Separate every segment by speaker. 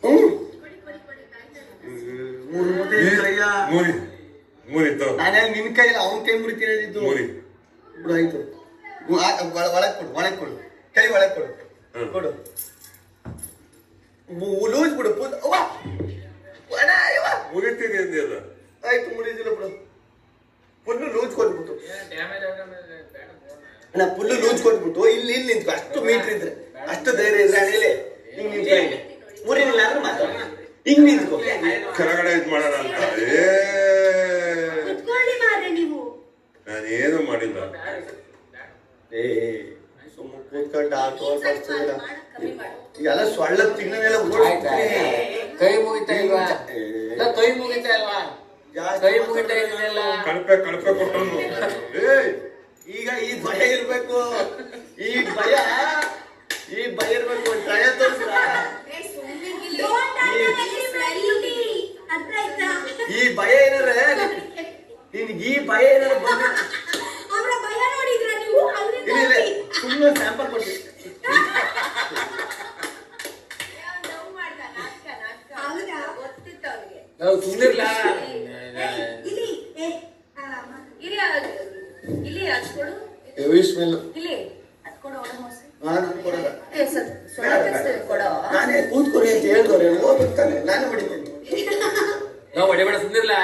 Speaker 1: ನಾನೇ ನಿನ್ ಕೈಯಲ್ಲಿ ಅವನ ಕೈ ಮುರಿತೀನಿ ಇದು ಆಯ್ತು. ಒಳಗ್ ಕೊಡು, ಒಳಗ್ ಕೊಡು, ಕೈ ಒಳಗ್ ಕೊಡು, ಕೊಡು, ಲೂಸ್ ಬಿಡು.
Speaker 2: ಮುರಿತೀನಿ ಅಂದಿಲ್ಲ.
Speaker 1: ಆಯ್ತು, ಮುರಿದಿಲ್ಲ ಬಿಡು. ಫುಲ್ಲು ಲೂಸ್ ಕೊಟ್ಬಿಟ್ಟು ನಾ ಫುಲ್ಲು ಲೂಸ್ ಕೊಟ್ಬಿಟ್ಟು ಇಲ್ಲಿ ನಿಂತ್ಕೊ. ಅಷ್ಟು ಮೀಟರ್ ಇದ್ರೆ, ಅಷ್ಟು ಧೈರ್ಯ ಇದ್ರೆ ಅಣೆಲೆ ಹಿಂಗ್ ನಿಂತ್ಕೊ. ಇಲ್ಲಿ ಮುರಿದಿಲ್ಲ ಅಂದ್ರೆ ಮಾತಾಡ, ಹಿಂಗ್ ನಿಂತ್ಕೊ.
Speaker 2: ಕೆಳಗಡೆ ಇದ್ ಮಾಡೋಣ ಅಂತ ನಾನೇನು ಮಾಡಿಲ್ಲ.
Speaker 1: ಸುಮ್ಮ ಕೂತ್ಕೊಂಡು ಆಟೋ ಈಗೆಲ್ಲ ಸೊಳ್ಳ ತಿನ್ನನೆಲ್ಲ
Speaker 3: ಕೈ ಮುಗಿತಾ ಇಲ್ವಾ? ಕೈ ಮುಗಿತಾ ಇಲ್ವಾ? ಕೈ ಮುಗಿತಾ ಇದೆಯಲ್ಲ.
Speaker 2: ಕಳಪೆ ಕೊಟ್ಟನು.
Speaker 1: ಈಗ ಈ ಭಯ ಇರ್ಬೇಕು, ಈ ಭಯ ಇರ್ಬೇಕು. ಟ್ರಯ ತೋರಿಸ್ರ ಈ ಭಯ ಏನಾರ ನಿನ್ಗೆ, ಈ ಭಯ ಏನಾರ ಬಂದ ಸುಮ್ಮನೆ ಸ್ಯಾಂಪಲ್ ಕೊಡ್ತೀವಿ. ನಾನೇ ಕೂತ್ಕೊಡಿ ಅಂತ ಹೇಳ್ದವ್ರೆ, ಹೋಗ್ತಾನೆ, ನಾನೇ ಹೊಡಿತೀನಿ.
Speaker 3: ಹೊಡಿಬೇಡ, ಸುಂದಿರ್ಲ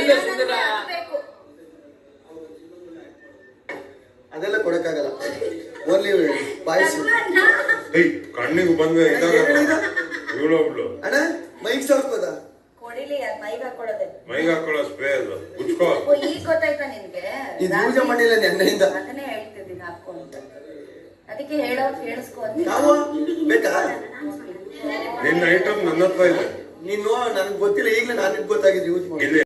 Speaker 1: ಅದೆಲ್ಲ ಕೊಡಕ್ಕಾಗಲ್ಲ, ಓನ್ಲಿ ಬಾಯ್ಸ್.
Speaker 2: ಕಣ್ಣಿಗೆ ಬಂದ ಇವಳೊಬ್ಳು
Speaker 1: ಅಣ್ಣ ಮೈಕ್ ಸಾಕ್ಬೋದಾ?
Speaker 2: ಮೈಗೆ ಹಾಕೊಳ್ಳೋ ಸ್ಪ್ರೇ ಅದು ಉಚ್ಕೋ.
Speaker 4: ಈಗ ಗೊತ್ತಾಯ್ತಾ ನಿನ್ಗೆ?
Speaker 1: ಇದು ಪೂಜೆ ಮಾಡಿಲ್ಲ ನೆನ್ನೆಯಿಂದ.
Speaker 4: ಅದನ್ನೇ ಹೇಳ್ತಿದ್ದೀನಿ ಹಾಕೋ ಅಂತ. ಅದಕ್ಕೆ ಹೇಳೋರು ಕೇಳಿಸ್ಕೊ ಅಂತ.
Speaker 1: ನಾವು ಬೇಕಾ?
Speaker 2: ನಿನ್ನ ಐಟಮ್ ನನ್ನ ಹತ್ರ ಇದೆ.
Speaker 1: ನೀನು ನನಗೆ ಗೊತ್ತಿಲ್ಲ, ಈಗಲೇ ನನಗೆ ಗೊತ್ತಾಗಿದೆ ಯೂಸ್ ಮಾಡಿ.